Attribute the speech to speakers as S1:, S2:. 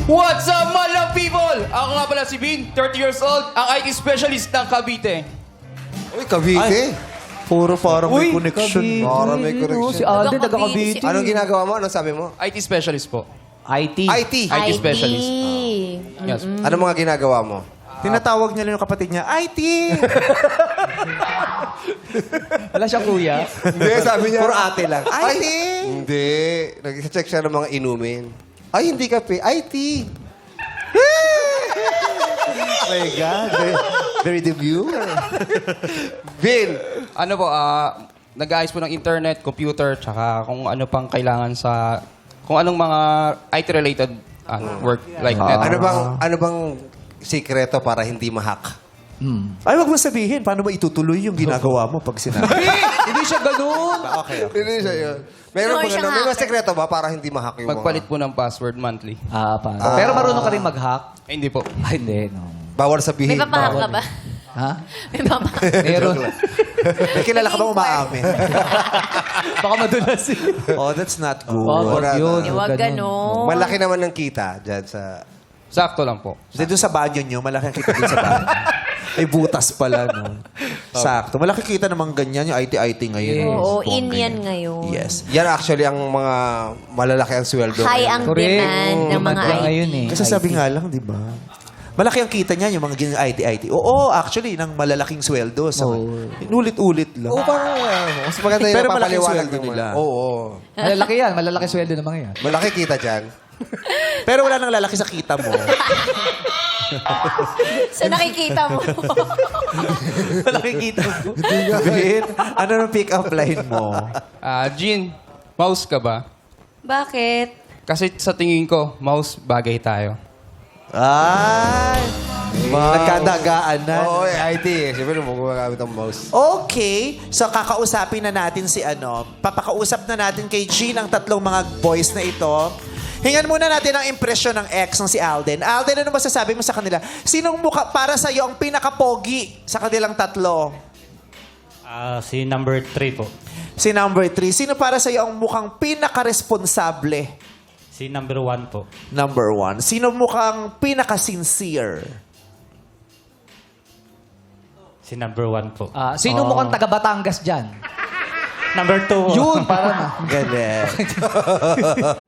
S1: What's up, malang people? Ako nga pala si Vin, 30 years old, ang IT specialist ng Cavite.
S2: Uy, Cavite.
S3: Puro parang may connection.
S4: Cavite.
S2: Parang may connection.
S4: Si Alden, taga-Cavite.
S2: Anong ginagawa mo? Anong sabi mo?
S1: IT specialist po.
S3: IT.
S2: IT.
S1: IT specialist. Yes.
S2: Anong mga ginagawa mo?
S3: Tinatawag niya lang yung kapatid niya, IT!
S4: Wala siyang kuya.
S2: Hindi, sabi niya.
S3: Puro ate lang. IT!
S2: Hindi. Nag-check siya ng mga inumin. Ay, hindi kape. IT.
S3: Oh my God. Very debut.
S2: Vin.
S1: Ano po, nag-aayos po ng internet, computer, tsaka kung ano pang kailangan sa... Kung anong mga IT-related work like that.
S2: Ano bang sikreto para hindi ma-hack?
S3: Ay, wag mo sabihin. Paano mo itutuloy yung ginagawa mo pag sinabi?
S4: Hindi siya ganun.
S3: Okay.
S2: Hindi siya yun. Meron
S5: No,
S2: ba
S5: siyang
S2: may mga
S5: hacker.
S2: sikreto ba para hindi ma-hack yung
S1: Magpalit po ng password monthly.
S4: Paano? Pero marunong ka rin mag-hack?
S1: Ay, hindi po.
S4: Ay, hindi. No.
S2: Bawal sabihin.
S5: May papahak ka ba?
S4: Ha?
S5: May papahak.
S4: Meron.
S3: May kilala ka bang umaamin?
S4: Baka madulas eh.
S3: Oh, that's not good.
S4: Wag yun.
S5: Huwag ganon.
S2: Malaki naman ng kita dyan sa...
S1: Sakto lang po.
S3: Hindi, doon sa banyo nyo, malaki ang kita doon sa banyo. Ay, butas pala, no? Sakto. Malaki kita namang ganyan, yung IT-IT ngayon.
S5: Oo,
S3: Yes.
S5: in yan ngayon.
S3: Yes.
S2: Yan actually ang mga malalaki ang sweldo.
S5: High
S2: ngayon.
S5: ang demand ng mga
S4: Demand lang
S5: IT.
S4: ngayon eh.
S3: Kasi sabi nga lang, di ba? Malaki ang kita niya, yung mga ganyan IT-IT. Oo, actually, ng malalaking sweldo. Sa, Inulit-ulit lang.
S2: Oo, parang mas maganda yung
S3: Pero malaking
S2: napapaliwanag
S3: sweldo
S2: naman.
S3: nila.
S2: Oo.
S4: Malalaki yan. Malalaki sweldo ng mga yan.
S2: Malaki kita dyan.
S3: Pero wala nang lalaki sa kita mo.
S5: So nakikita mo.
S3: Malaki kita mo. Vin, ano nang pick-up line mo?
S1: Jean, mouse ka ba?
S5: Bakit?
S1: Kasi sa tingin ko, mouse bagay tayo.
S3: Ay! Nagkadagaan na.
S2: Oo, IT. Siyempre, magagamit ang mouse.
S3: Okay. So, kakausapin na natin si papakausap na natin kay Jean ang tatlong mga boys na ito. Hingan muna natin ang impresyon ng ex ng si Alden. Alden, ano masasabi mo sa kanila? Sinong mukha para sa iyo ang pinaka-pogi sa kanilang tatlo?
S6: Si number 3 po.
S3: Si number 3. Sino para sa iyo ang mukhang pinaka-responsable?
S6: Si number 1 po.
S3: Number 1. Sino mukhang pinaka-sincere?
S6: Si number 1 po.
S4: Sino mukhang taga Batangas dyan?
S6: Number 2 po.
S4: Yun, para na.
S3: Galing.